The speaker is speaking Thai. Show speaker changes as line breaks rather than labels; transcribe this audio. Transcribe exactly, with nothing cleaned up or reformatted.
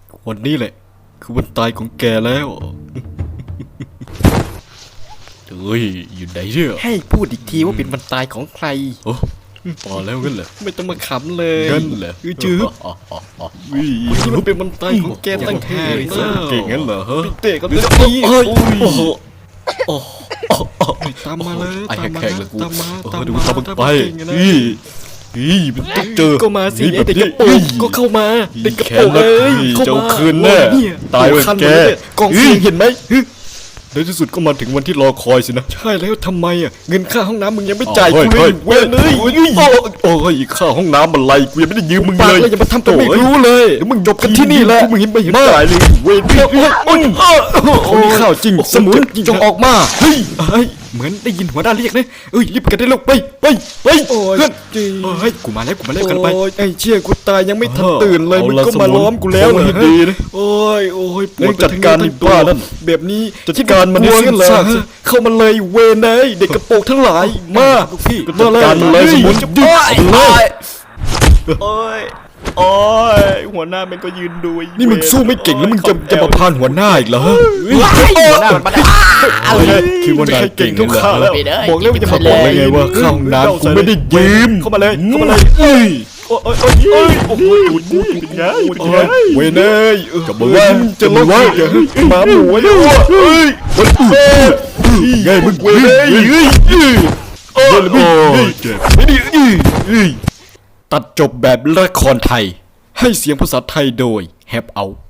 วันนี้แหละคือวันตายของแกแล้วเฮ้ยอยู่ไหนเนี่ยให้พูดอีกทีว่าเป็นวันตายของใครโอ้พอแล้วงั้นเหรอไม่ต้องมาขำเลยงั้นเหรอจืดวันนี้มันเป็นวันตายของแกตั้งแท้เก่งงั้นเหรอฮะเตะก็จะตีโอ้โหโอ้ตามมาเลยตามมาตามมาตามมาดูตามไปนี่นี่มันต้องเจอก็มาสิไอเด็กกระโปรงก็เข้ามาเด็กกระโปรงเอ้ยเข้ามาคืนแน่ตายเลยแกกองเสียงเห็นไหมในที่สุดก็มาถึงวันที่รอคอยสินะใช่แล้วทำไมอ่ะเงินค่าห้องน้ำมึงยังไม่จ่ายกูเลยเว้ยเลยโอ้ยค่าห้องน้ำอะไรกูยังไม่ได้ยืมมึงเลยอย่ามาทำตัวไม่รู้เลยเดี๋ยวมึงจบกันที่นี่แหละมึงเห็นไม่เห็นจ่ายเลยเว้ยโอ้ยเขามีข้าวจริงสมุนจงออกมาเฮ้ยเฮ้ยเหมือนได้ยินหัวหน้าเรียกนะเอ้ยรีบกันได้ลูกไปไปไปเพื่อนเฮ้ยกูมาแล้วกูมาแล้วกันไปไอ้เชี่ยกูตายยังไม่ทันตื่นเลยมึงก็มาล้อมกูแล้วเหรอดีนะโอ้ยโอ้ยปวดจัดการนี่บ้านั่นแบบนี้จัดการมันสิ้นซากเข้ามาเลยเวนไอ้เด็กกระโปรงทั้งหลายมาพี่จัดการมันเลยสมุนยืดเลยโอ้ยโอ้ยหัวหน้ามันก็ยืนดูนี่มึงสู้ไม่เก่งแล้วมึงจะจะมาพานหัวหน้าอีกเหรอหัวหน้ามันมาคือวันนี้เก่งทุกข้าแล้วบอกแล้วว่าจะมาบอกเลยไงว่าข้าวน้ำกูไม่ได้ยืมเข้ามาเลยเข้ามาเลยเอ้ยโอ้ยโอ้ยโอ้ยโอ้โหกูเป็นไงเป็นไงเว้ยเนยกับมึงจะลดหมาหมูเนี่ยเฮ้ยไงมึงเว้ยเนยเฮ้ยโอ้ยไม่ดีตัดจบแบบละครไทยให้เสียงภาษาไทยโดย Help Out